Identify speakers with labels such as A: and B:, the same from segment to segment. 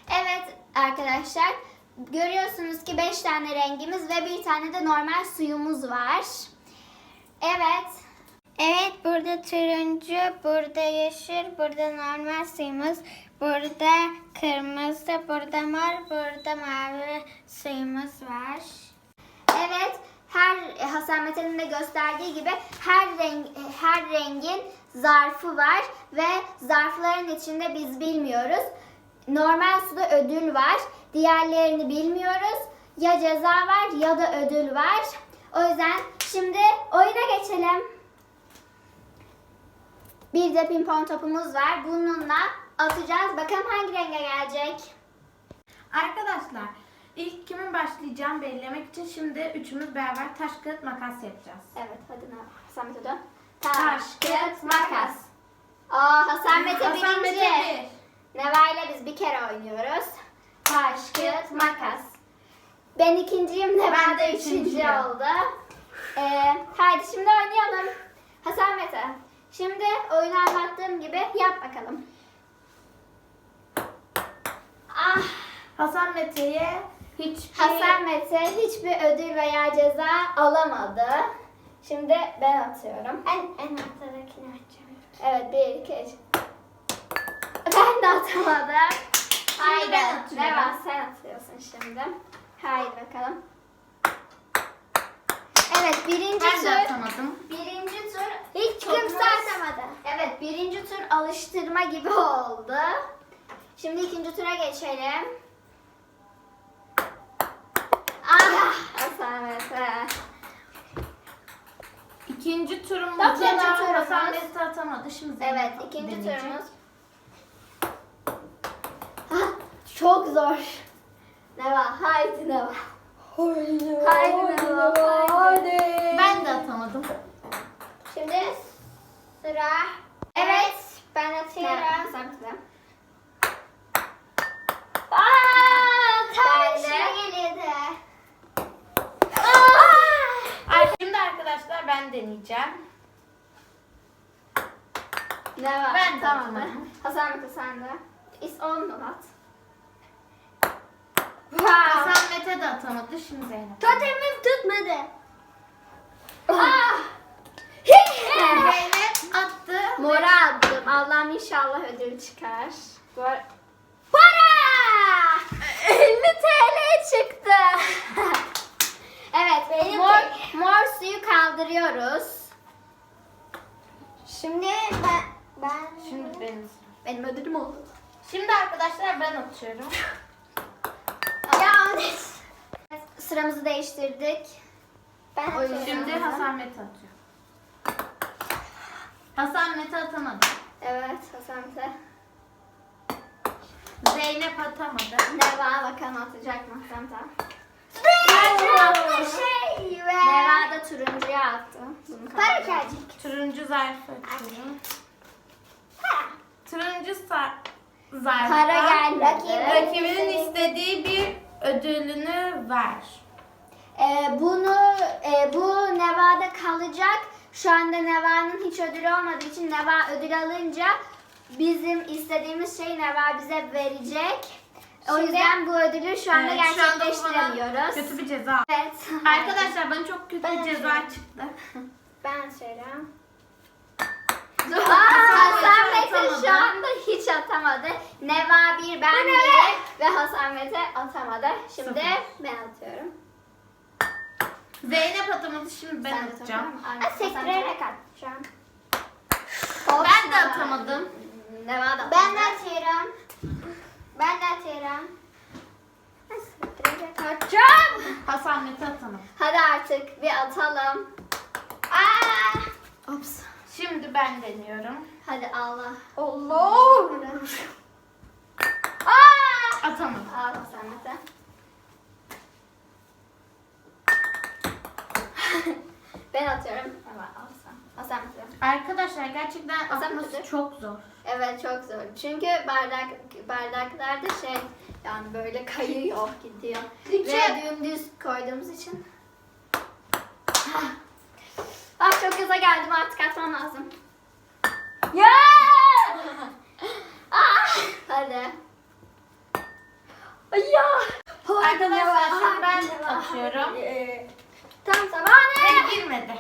A: Evet arkadaşlar, görüyorsunuz ki 5 tane rengimiz ve bir tane de normal suyumuz var. Evet.
B: Evet, burada turuncu, burada yeşil, burada normal suyumuz, burada kırmızı, burada mor, burada mavi suyumuz var.
A: Evet, Hasan Mete'nin de gösterdiği gibi her rengin zarfı var ve zarfların içinde biz bilmiyoruz. Normal suda ödül var. Diğerlerini bilmiyoruz. Ya ceza var ya da ödül var. O yüzden şimdi oyuna geçelim. Bir de pimpon topumuz var. Bununla atacağız. Bakalım hangi renge gelecek.
C: Arkadaşlar ilk kimin başlayacağını belirlemek için şimdi üçümüz beraber taş kağıt makas yapacağız.
A: Evet, hadi Hasan Mete dön. Taş, kağıt, makas. Hasan Mete
C: Hasan
A: birinci.
C: Mete
A: Neva ile biz bir kere oynuyoruz. Taş, kağıt, makas. Ben ikinciyim, Neva
C: Ben
A: da
C: de
A: üçüncü
C: üçüncüyüm.
A: oldu. Haydi şimdi oynayalım. Hasan Mete, şimdi oyunu anlattığım gibi yap bakalım.
C: Hasan Mete'ye
A: Hasan Mete hiçbir ödül veya ceza alamadı. Şimdi ben atıyorum.
B: En ortadakini açacağım.
A: Evet, 1, 2, 3. Ben de atamadım. Haydi,
C: ben atıyorum.
A: Neva sen atıyorsun şimdi. Haydi bakalım. Evet, birinci
C: ben de
A: tur.
C: atamadım.
A: Birinci tur. Hiç kimse atamadı. Evet, birinci tur alıştırma gibi oldu. Şimdi ikinci tura geçelim. Hasan Mete.
C: İkinci turumuz
A: İkinci
C: da
A: turumuz.
C: Hasan Mete atamadı. Şimdi
A: Evet,
C: Zeynep
A: ikinci
C: deneyecek.
A: turumuz. Çok zor. Neva, haydi Neva. Haydi Neva, haydi.
C: Ben de atamadım.
A: Şimdi sıra. Evet, ben atıyorum. Hasan Mete.
B: Tam
A: Ben de.
B: içine geliyordu.
C: Şimdi arkadaşlar ben deneyeceğim.
A: Neva,
C: Ben de
A: tamam.
C: atamadım.
A: Hasan Mete sen de. On mu at?
C: Hasan Mete de atamadı. Şimdi Zeynep.
B: Totemim tutmadı.
C: Zeynep attı.
A: Mora attım. Allah'ım inşallah ödül çıkar.
B: Para!
A: 50 TL çıktı. Evet,
B: Benim
A: mor suyu kaldırıyoruz.
B: Şimdi ben
C: Şimdi benim.
A: Benim ödülüm oldu.
C: Şimdi arkadaşlar ben atıyorum.
A: Ya sıramızı değiştirdik.
B: ben
A: O yüzden-
B: atıyorum.
C: Şimdi Hasan Mete atıyor. Hasan Mete atamadı.
A: Evet, Hasan Mete.
C: Zeynep atamadı.
A: Neva bakalım atacak mı Hasan Mete?
B: Çok bir şey ve
A: Neva da turuncuya attı. Bunu
B: para
A: kaldıralım.
B: gelecek.
C: Turuncu zarfı açıyorum.
B: Para.
C: Turuncu zarfı.
A: Para gelmedi.
C: Rakibinin istediği bir ödülünü ver.
A: Bu Neva'da kalacak. Şu anda Neva'nın hiç ödülü olmadığı için Neva ödül alınca bizim istediğimiz şeyi Neva bize verecek. O
B: Şimdi-
A: yüzden bu ödülü şu anda
C: Evet, şu anda bu bana
A: gerçekleştiremiyoruz.
C: kötü bir ceza.
A: Evet.
C: Arkadaşlar bana çok kötü bir ceza çıktı.
B: Ben atıyorum.
A: Hasan
C: Mete
A: Mete
C: atamadı.
A: şu anda hiç atamadı. Neva bir, ben
B: Bu ne
A: bir ve Hasan Mete atamadı. Şimdi
C: Sıfır.
A: ben atıyorum.
C: Zeynep atamadı. Şimdi ben
A: Sen de
C: atacağım.
A: tamam mı? Aynen,
B: Ha,
A: Hasan
B: sektirerek
A: Mete.
B: atacağım.
C: Ben de atamadım.
A: Neva da
B: Ben de
A: atamadı.
B: atıyorum. Ben de atıyorum. Ha, sektirerek
A: Atacağım.
C: Hasan Mete atamadı.
A: Hadi artık bir atalım. Ops.
C: Şimdi ben deniyorum.
A: Hadi Allah.
B: Allah.
C: Atamadım.
A: Al Hasan Mete. Ben atıyorum. Evet, Hasan Mete.
C: Arkadaşlar gerçekten
A: Hasan
C: atması
A: Mete.
C: çok zor.
A: Evet, çok zor. Çünkü bardaklarda yani böyle kayıyor, gidiyor. Ve dümdüz koyduğumuz için. Çok gaza geldim, artık atmam lazım. Ya! Hadi. Ay ya.
C: Arkadaşlar şimdi ben atıyorum.
A: Tam zamanı.
C: Ve girmedi.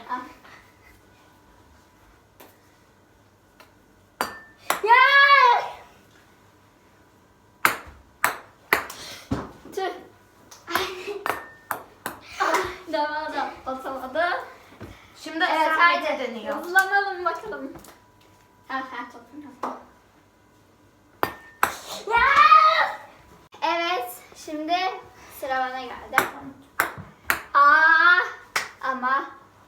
A: Ya. Tüh. Devam da atamadı.
C: Şimdi
A: Evet
C: Samet'e
A: haydi.
C: dönüyor.
A: Hızlanalım bakalım. Ha topun. Ya. Evet şimdi sıra bana geldi. Ama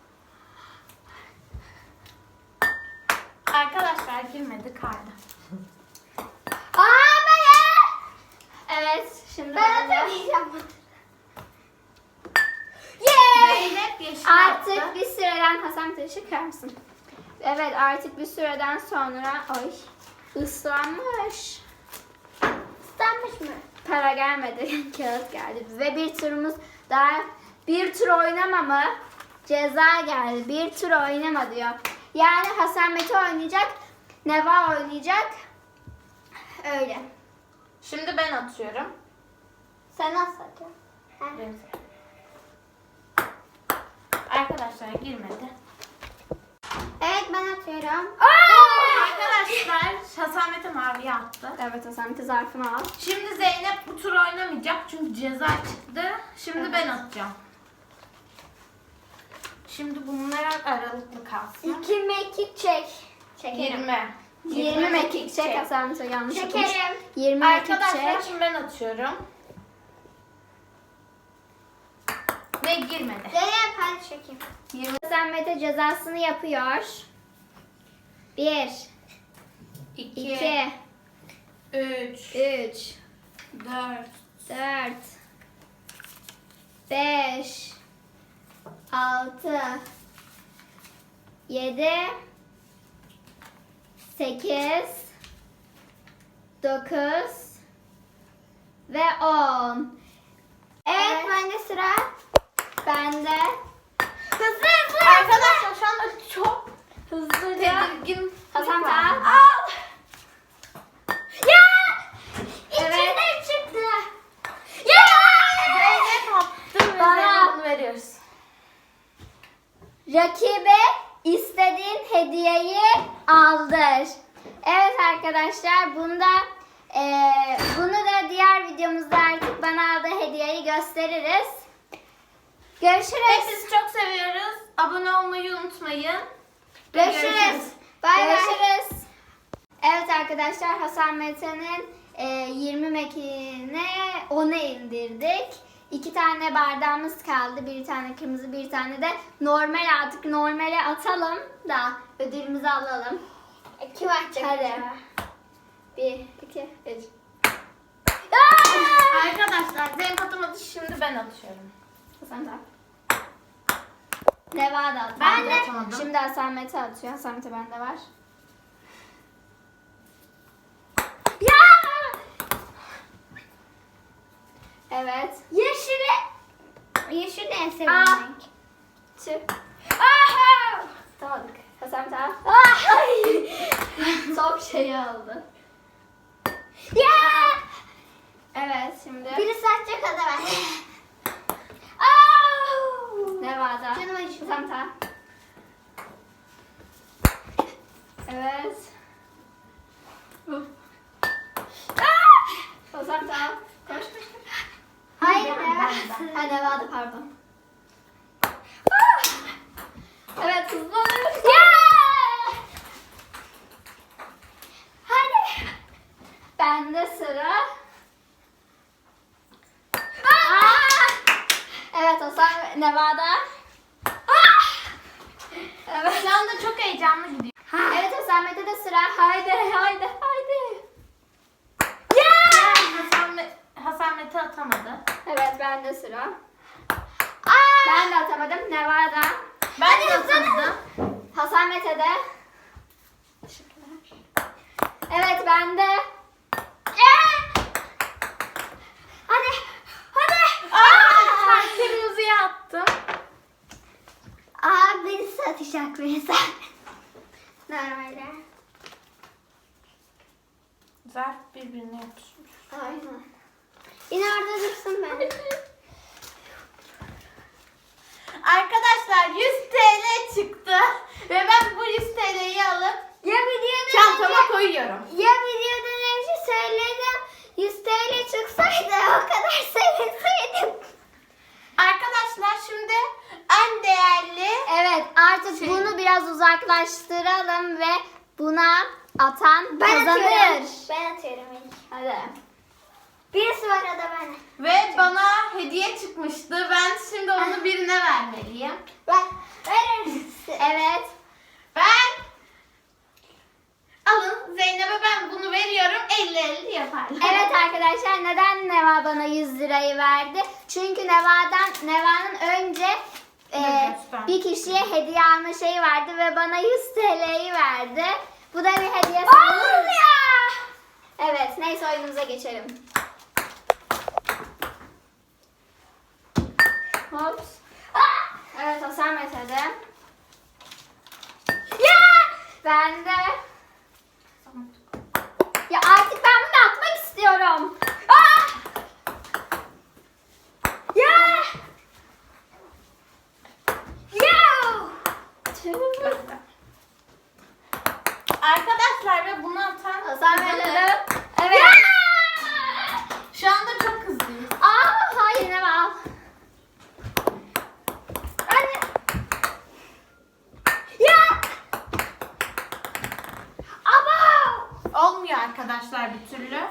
C: Arkadaşlar girmedi kaydı.
A: ama ya. Evet şimdi
B: Ben
A: de.
B: atamayacağım.
C: Zeynep yeşil
A: Artık
C: attı.
A: bir süreden Hasan taşı çıkar mısın? Evet artık bir süreden sonra ıslanmış.
B: İstenmiş mi?
A: Para gelmedi, kağıt geldi. Ve bir turumuz daha, bir tur oynama mı? Ceza geldi. Bir tur oynama diyor. Yani Hasan Mete oynayacak, Neva oynayacak. Öyle.
C: Şimdi ben atıyorum.
B: Sen nasıl atıyorsun?
C: Benim sıram. Arkadaşlar girmedi.
B: Evet ben atıyorum.
C: Arkadaşlar Hasan Mete maviye attı.
A: Evet Hasan Mete zarfını al.
C: Şimdi Zeynep bu tur oynamayacak çünkü ceza çıktı. Şimdi ben atacağım. Şimdi bunlar aralıklı kalsın.
B: 2 mekik çek. Çekerim.
C: 20.
A: 20 mekik çek. Hasan Mete yanlış okumuş.
B: Çekerim.
A: 20 mekik
C: Arkadaşlar
A: çek.
C: şimdi ben atıyorum. Ve girmedi.
B: Zeynep hadi çekeyim.
A: 20. Hasan Mete cezasını yapıyor. 1
C: 2,
A: 2
C: 3,
A: 3
C: 4,
A: 4 5 6 7 8 9 ve 10.
B: Evet bende sıra.
A: Bende.
B: Hızlı hızlı.
C: Arkadaşlar şu anda çok
A: Hızlıca.
C: tedirgin.
A: Hasan
C: var.
A: Taha.
B: Al. Ya.
A: Evet.
B: İçinden çıktı.
C: Ya! Zeynep attı ve
A: Bana.
C: Zeynep'e bunu veriyoruz.
A: Rakibe istediğin hediyeyi aldır. Evet arkadaşlar bunu da diğer videomuzda artık bana aldığı hediyeyi gösteririz. Görüşürüz.
C: Hepinizi çok seviyoruz. Abone olmayı unutmayın.
A: Görüşürüz.
B: Bay bay.
A: Görüşürüz. Evet arkadaşlar Hasan Mete'nin 20 mekine 10'a indirdik. 2 tane bardağımız kaldı. Bir tane kırmızı, bir tane de normal, artık normale atalım da ödülümüzü alalım.
B: Kim atacak?
A: Hadi.
B: acaba?
A: 1, 2, 3.
C: Arkadaşlar Zeynep atamadı. Şimdi ben atıyorum.
A: Hasan da. Neva da atıyor.
C: Ben de atamadım.
A: Şimdi Hasan Mete atıyor. Hasan Mete bende var. Ya! Evet.
B: Yeşili. Yeşil de en sevdiğim
A: Aa.
B: renk.
A: Çık.
B: Aha!
A: Tamamdık. Hasan Mete al. Ay! Çok şey oldu.
B: Ya!
A: Evet şimdi.
B: Birisi atacak hadi ben.
A: Nevada.
B: Canım acıyor.
A: Hasan Mete al. Evet. Hasan Mete al. Koş koş koş.
B: Hayır
A: Ben-
B: ya.
A: Ha Nevada pardon. Evet hızlanıyoruz.
B: Hadi.
A: Bende sıra. Evet Hasan Nevada. Evet.
C: Şu anda çok heyecanlı gidiyor.
A: Evet Hasan Mete'de sıra. Haydi haydi haydi.
C: Hasan Mete atamadı.
A: Evet bende sıra. Ben de atamadım. Nevada.
C: Ben de atamadım.
A: Hasan Mete'de. Teşekkürler. Evet bende.
B: Hadi. Hadi.
C: Arkadaşlar kırmızıya attım.
B: Birisi atacak birisi. Normalde.
C: Zarf birbirine yapışmış.
A: Aynen.
B: Yine orada dursun ben.
C: Arkadaşlar 100 TL çıktı. Ve ben bu 100 TL'yi alıp
B: Ya videodan
C: çantama koyuyorum.
B: Ya videodan önce söyledim. 100 TL çıksaydı o kadar sevinseydim.
C: Arkadaşlar şimdi en değerli
A: Evet, artık
C: Şey-
A: bunu biraz uzaklaştıralım ve buna atan
B: Ben
A: kazanır.
B: atıyorum. Ben atıyorum ilk.
A: Hadi.
B: Birisi var o da ben.
C: ve bana hediye çıkmıştı. Ben şimdi onu birine vermeliyim.
B: Ben verir misin?
A: Evet.
C: Ben alın Zeynep'e ben bunu veriyorum. 50-50 yaparlar.
A: Evet arkadaşlar, neden Neva bana 100 lirayı verdi? Çünkü Neva'nın önce
C: Göster.
A: bir kişiye hediye alma şeyi vardı ve bana 100 TL'yi verdi. Bu da bir hediye
B: Olmuyor.
A: Evet, neyse oyunumuza geçelim. Hops. Evet, Hasamet hadi.
B: Ya!
A: Ben de. Ya artık ben bunu atmak istiyorum.
B: Ah! Ya! Ya!
C: Arkadaşlar ve bunu atan
A: Hasamet
C: kazanır.
A: hadi. Evet.
C: Şu anda çok hızlıyız.
A: Aa, hayır Neva al.
B: Anne. Ya! Ama!
C: Olmuyor arkadaşlar bir türlü.